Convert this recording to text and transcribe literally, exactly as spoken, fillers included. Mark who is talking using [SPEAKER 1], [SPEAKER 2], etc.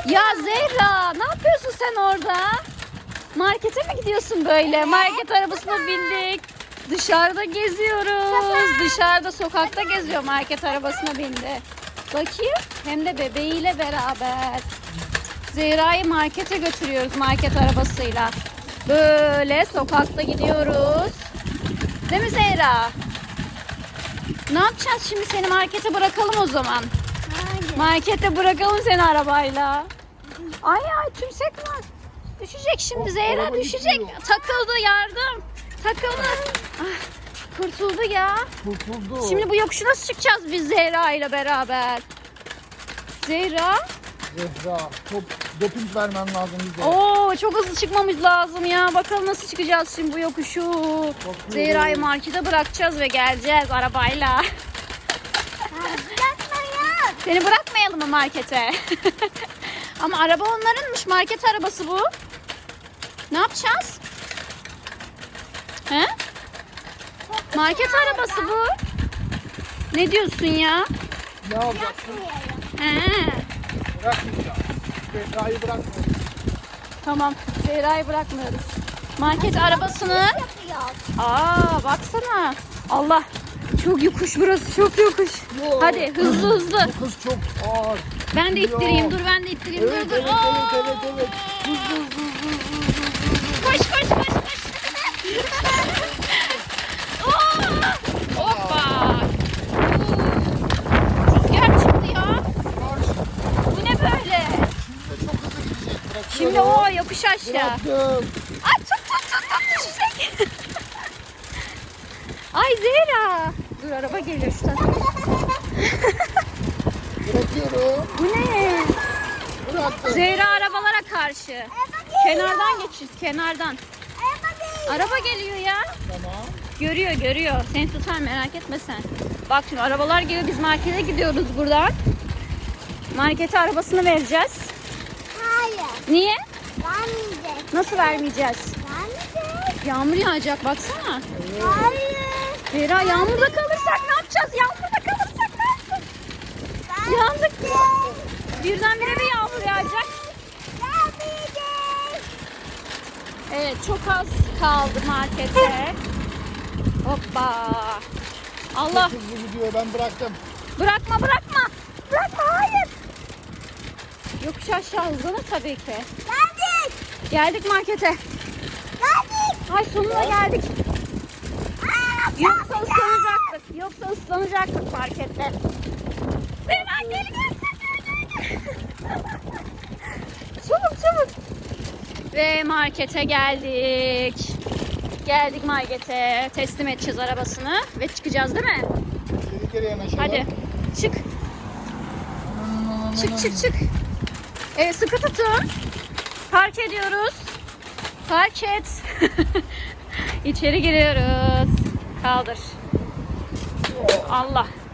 [SPEAKER 1] Ya Zehra, ne yapıyorsun sen orada? Markete mi gidiyorsun böyle? Market arabasına bindik. Dışarıda geziyoruz. Dışarıda sokakta geziyor, market arabasına bindi. Bakayım, hem de bebeğiyle beraber. Zehra'yı markete götürüyoruz market arabasıyla. Böyle sokakta gidiyoruz. Değil mi Zehra? Ne yapacağız şimdi, seni markete bırakalım o zaman.
[SPEAKER 2] Hayır.
[SPEAKER 1] Markete bırakalım seni arabayla. Ay ay, tümsek var. Düşecek şimdi Zehra,
[SPEAKER 3] Araba
[SPEAKER 1] düşecek.
[SPEAKER 3] gitmiyor.
[SPEAKER 1] Takıldı, yardım. Takıldı. Ah, kurtuldu ya.
[SPEAKER 3] Kurtuldu.
[SPEAKER 1] Şimdi bu yokuşu nasıl çıkacağız biz Zehra ile beraber? Zehra.
[SPEAKER 3] Zehra, top, doping vermen lazım bize.
[SPEAKER 1] Oo, çok hızlı çıkmamız lazım ya. Bakalım nasıl çıkacağız şimdi bu yokuşu. Zehra'yı markete bırakacağız ve geleceğiz arabayla.
[SPEAKER 2] Yapmayın.
[SPEAKER 1] Seni bırakmayalım mı markete? Ama araba onlarınmış, market arabası bu. Ne yapacağız? He? Market arabası bu. Ne diyorsun ya?
[SPEAKER 3] Ne yapacaksın?
[SPEAKER 1] He.
[SPEAKER 3] Bırakmayacağım. Zehra'yı bırakmayacağım.
[SPEAKER 1] Tamam, Zehra'yı bırakmıyoruz. Market arabasını...
[SPEAKER 2] Yapıyor.
[SPEAKER 1] Aa, baksana. Allah, çok yokuş burası, çok yokuş.
[SPEAKER 3] Yo.
[SPEAKER 1] Hadi hızlı hızlı.
[SPEAKER 3] Bu kız çok ağır.
[SPEAKER 1] Ben de
[SPEAKER 3] Yo.
[SPEAKER 1] ittireyim, dur ben de ittireyim.
[SPEAKER 3] Evet,
[SPEAKER 1] dur dur.
[SPEAKER 3] evet,
[SPEAKER 1] Aa!
[SPEAKER 3] evet, evet, evet. Hızlı, hızlı, hızlı, hızlı, hızlı.
[SPEAKER 1] Koş koş koş koş. Aa! Hoppa. Rüzgar çıktı ya.
[SPEAKER 3] Karşı.
[SPEAKER 1] Bu ne böyle?
[SPEAKER 3] Şimdi çok hızlı gidecek. Bırakıyorum.
[SPEAKER 1] Şimdi o yokuş aşağı.
[SPEAKER 3] Bıraktım.
[SPEAKER 1] Ay tut tut tut tut, düşecek. Ay Zehra. Dur, araba geliyor şu tarafa.
[SPEAKER 3] Bırakıyorum.
[SPEAKER 1] Bu ne?
[SPEAKER 3] Bıraktım.
[SPEAKER 1] Zehra arabalara karşı. Kenardan geçiş, kenardan. Araba geliyor ya.
[SPEAKER 3] Tamam.
[SPEAKER 1] Görüyor görüyor. Seni tutar, merak etme sen. Bak şimdi arabalar geliyor, biz markete gidiyoruz buradan. Markete arabasını vereceğiz.
[SPEAKER 2] Hayır.
[SPEAKER 1] Niye?
[SPEAKER 2] Vermeyecek.
[SPEAKER 1] Nasıl vermeyeceğiz?
[SPEAKER 2] Vermeyecek.
[SPEAKER 1] Yağmur yağacak, baksana.
[SPEAKER 2] Hayır.
[SPEAKER 1] Zehra, yağmurda kalırsak ne yapacağız? Yağmurda kalırsak ne yapacağız? Yandık. Birdenbire bir yağmur yağacak.
[SPEAKER 2] Vermeyecek.
[SPEAKER 1] Evet, çok az kaldı markete. Hoppa. Allah.
[SPEAKER 3] Çok hızlı gidiyor. Ben bıraktım.
[SPEAKER 1] Bırakma bırakma. Bırakma, hayır. Yokuş aşağı hızlanır tabii ki.
[SPEAKER 2] Geldik.
[SPEAKER 1] Geldik markete.
[SPEAKER 2] Geldik.
[SPEAKER 1] Ay, sonunda geldik.
[SPEAKER 2] Aa,
[SPEAKER 1] Yoksa ıslanacaktık. Yoksa ıslanacaktık markette. Hemen gel gel gel. Çabuk çabuk. Ve markete geldik. Geldik markete. Teslim edeceğiz arabasını ve çıkacağız değil mi?
[SPEAKER 3] Geri geri yanaşalım.
[SPEAKER 1] Hadi çık. Çık çık çık. Evet, sıkı tutun. Park ediyoruz. Park et. İçeri giriyoruz. Kaldır. Allah.